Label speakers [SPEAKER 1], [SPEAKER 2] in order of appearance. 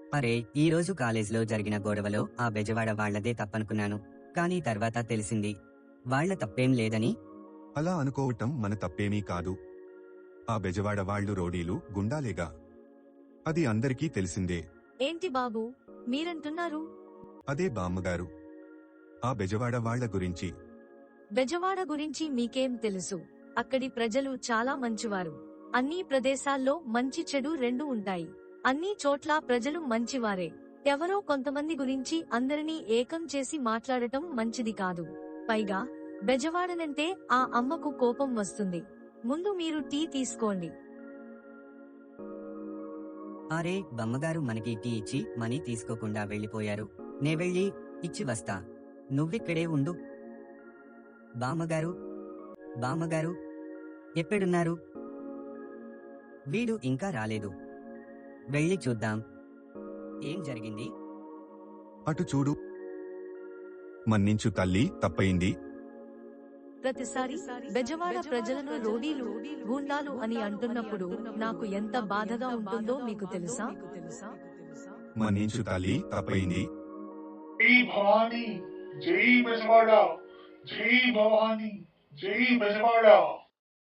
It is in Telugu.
[SPEAKER 1] అరే, ఈ రోజు కాలేజ్లో జరిగిన గొడవలో ఆ బెజవాడ వాళ్లదే తప్పనుకున్నాను. కానీ తర్వాత తెలిసింది వాళ్ల తప్పేం లేదని.
[SPEAKER 2] అలా అనుకోవటం మన తప్పేమీ కాదు. ఆ బెజవాడ వాళ్ళు రోడీలు, గుండాలేగా. అది అందరికీ తెలిసిందే.
[SPEAKER 3] ఏంటి బాబూ మీరంటున్నారు?
[SPEAKER 2] అదే బామ్మగారు, ఆ బెజవాడ వాళ్ల గురించి.
[SPEAKER 3] బెజవాడ గురించి మీకేం తెలుసు? అక్కడి ప్రజలు చాలా మంచివారు. అన్ని ప్రదేశాల్లో మంచి చెడు రెండు ఉంటాయి. అన్ని చోట్ల ప్రజలు మంచివారే. ఎవరో కొంతమంది గురించి అందరినీ ఏకం చేసి మాట్లాడటం మంచిది కాదు. పైగా బెజవాడనంటే ఆ అమ్మకు కోపం వస్తుంది. ముందు మీరు టీ తీసుకోండి.
[SPEAKER 1] అరే, బమ్మగారు మనకి టీ ఇచ్చి మనీ తీసుకోకుండా వెళ్ళిపోయారు. నే వెళ్ళి ఇచ్చి వస్తా, నువ్విక్కడే ఉండు. బామ్మగారు, బామ్మగారు, ఎక్కడున్నారు? వీడు ఇంకా రాలేదు. వెళ్ళి చూద్దాం ఏం జరిగింది.
[SPEAKER 2] అటు చూడు. మన్నించు తల్లి, తప్పయింది.
[SPEAKER 3] ప్రతిసారి బెజవాడ ప్రజలను రోడీలు, గూండాలు అని అంటున్నప్పుడు నాకు ఎంత బాధగా ఉంటుందో మీకు తెలుసా?
[SPEAKER 2] మన్నించు తల్లి, తప్పయింది.
[SPEAKER 4] జై భవానీ, జై బెజవాడ, జై భవానీ, జై బెజవాడ.